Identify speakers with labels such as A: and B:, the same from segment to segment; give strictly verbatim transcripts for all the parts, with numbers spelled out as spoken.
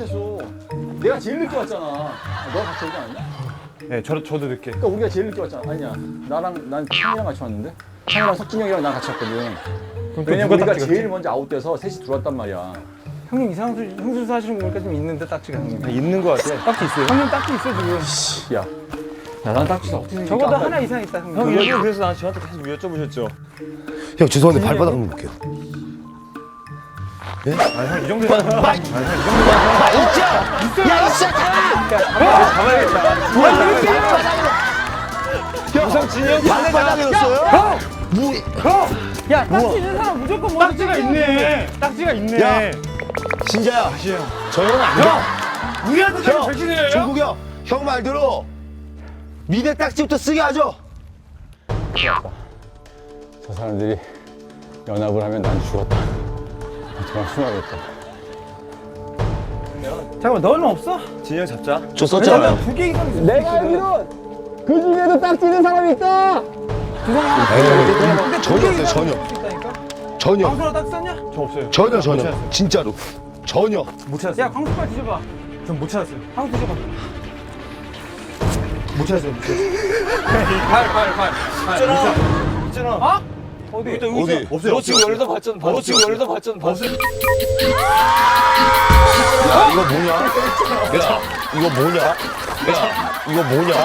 A: 못했어. 내가 제일 늦게 왔잖아. 너가 같이 오지 않았냐?
B: 네, 저, 저도 늦게.
A: 그러니까 우리가 제일 늦게 왔잖아. 아니야. 나랑 난 창이랑 같이 왔는데. 창이랑 석진이 형이랑 난 같이 왔거든. 왜냐면 우리가 제일 먼저 아웃돼서 셋이 들어왔단 말이야.
B: 형님 이상한 소리, 형수수 하시는 거 보니까 좀 있는데 딱지가 형님. 있는 거 같아. 딱지 있어요. 형님 딱지 있어 지금.
A: 씨, 야. 야, 난 딱지가 어떻게
B: 적어도 하나 이상 있다 형님.
C: 형 일부러 그래서 나 저한테 계속 여쭤보셨죠.
D: 형 죄송한데 발바닥 한번 볼게요.
B: 아니 형이 정도면. 아니 형이 정도면.
D: 야 진짜
C: 형 우상 진영
D: 발바닥이었어요?
B: 형!
D: 무
B: 야 딱지 있는 사람 무조건 먼저 딱지가 있네. 딱지가 있네.
D: 야 진짜야. 저 형은 안 돼.
B: 우리한테
D: 형,
B: 배신해요.
D: 종국 형, 형 말대로 미대 딱지부터 쓰게 하죠.
A: 저 사람들이 연합을 하면 난 죽었다. 정말 숨어야겠다.
B: 잠깐만 너는 없어?
C: 진영 잡자.
D: 저 썼잖아요.
B: 두 개 이상 있어.
A: 내가 알기로 그 중에도 딱지 있는 사람이 있다.
D: 에이, 전혀 없어요, 전혀. 전혀,
B: 광수라 딱 썼냐? 저 없어요.
D: 전혀, 전혀. 진짜로. 전혀.
B: 못 찾았어요. 야 광수 빨리 뒤져봐. 전 못 찾았어요. 광수 뒤져봐. 못 찾았어요. 못 찾았어요. 팔팔팔
C: 있잖아. 있잖아.
B: 어? 어디?
D: 어디?
C: 없어요. 너 지금 열다 봤잖아. 너 지금 열다 봤잖아. 봤어?
D: 야, 이거 뭐냐? 야, 이거 뭐냐? 야, 이거 뭐냐?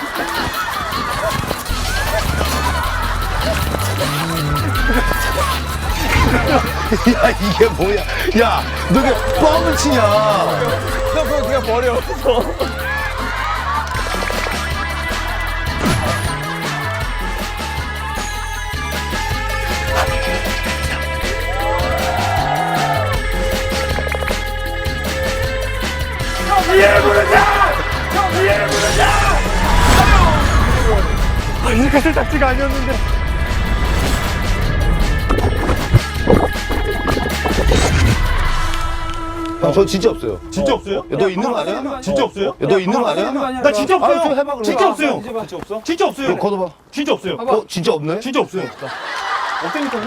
D: 야, 이게 뭐야? 야, 너 왜 뻥을 치냐?
C: 형 그거 그냥 버려.
B: 위에 부르자! 형 위에 부르자! 아, 이렇게 딱지가 아니었는데.
D: 형, 저 진짜 없어요.
C: 진짜 없어요?
D: 야, 너 있는 거 아니야?
C: 진짜 없어요?
D: 야, 너 있는 거 아니야?
C: 나 진짜
D: 아, 좀
C: 없어요.
D: 해봐, 그럼.
C: 진짜 없어요.
B: 뒤져봐.
C: 진짜 없어? 진짜 없어요.
D: 너 걷어봐.
C: 진짜 없어요.
D: 어, 진짜 없네?
C: 진짜 없어요. 없다니까요?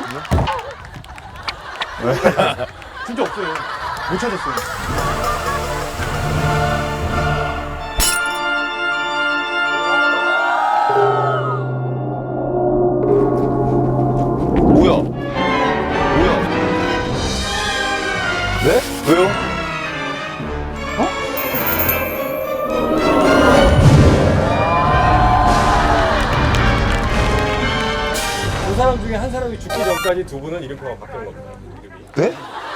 C: 진짜 없어요. 못 찾았어요.
D: 뭐야? 뭐야? 네? 왜요?
C: 두 사람 중에 한 사람이 죽기 전까지 두 분은 이름표가 바뀌는 겁니다.
D: 네?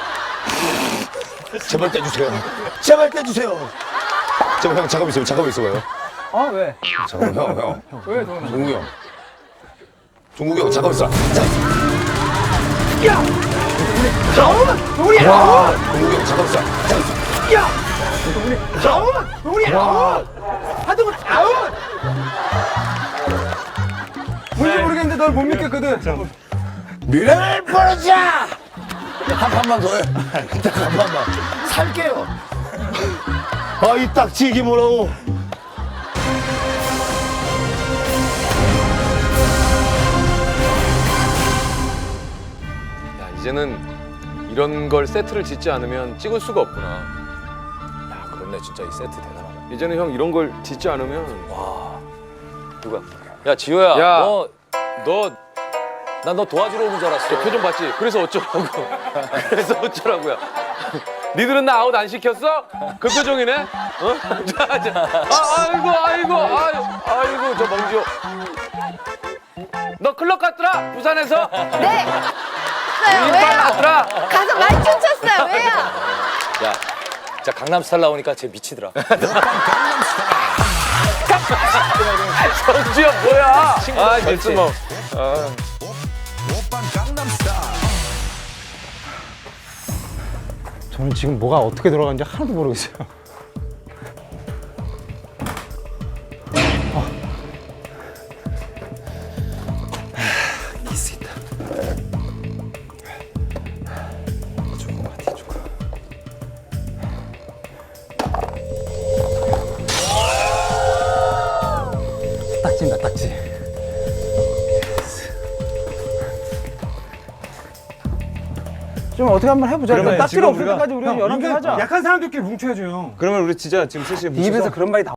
D: 제발 떼주세요. 제발 떼주세요. 제발 형 잠깐 있어요. 잠깐 있어봐요.
B: 어 왜?
D: 잠깐 형 형.
B: 왜 동훈아?
D: 종국이 형. 종국이 형 잠깐 있어.
B: 야! 아웃! 동훈이 아웃!
D: 종국이 형 잠깐 있어.
B: 야! 동훈이 아웃! 동훈이 아웃! 하동훈 아웃! 뭔지 모르겠는데 널 못 믿겠거든.
D: 미래를 부르자. 한 판만 더 해. 딱 한 판만. 살게요. 아, 이 딱지 이게 뭐라고?
E: 야, 이제는 이런 걸 세트를 짓지 않으면 찍을 수가 없구나. 야, 그렇네. 진짜 이 세트 대단하다. 이제는 형 이런 걸 짓지 않으면 와. 누가? 야, 지효야.
F: 야.
E: 너 너 난 너 도와주러 오는 줄 알았어. 저 표정 봤지? 그래서 어쩌라고. 그래서 어쩌라고요. 니들은 나 아웃 안 시켰어? 그 표정이네? 어? 자, 자. 아, 아이고, 아이고, 아이고, 아이고, 저 멍지호. 너 클럽 갔더라? 부산에서?
G: 네. 쳤어요.
E: 인빨
G: 왜요?
E: 났더라?
G: 가서 많이 춤췄어요. 왜요?
F: 야, 진짜 강남스타일 나오니까 쟤 미치더라.
E: 정지현 뭐야? 아, 진짜 뭐.
B: 저는 지금 뭐가 어떻게 돌아가는지 하나도 모르겠어요. 키스 있다. 해준 거 같아, 해준 거. 딱지입니다, 딱지. 좀 어떻게 한번 해보자.
H: 그러면
B: 딱지로
H: 지금
B: 없을
H: 우리가-
B: 때까지 우리가
H: 형,
B: 연합회
H: 이게
B: 하자.
C: 약한 사람들끼리 뭉쳐야죠 형.
H: 그러면 우리 진짜 지금 셋이
B: 네 입에서 그런 말이 나.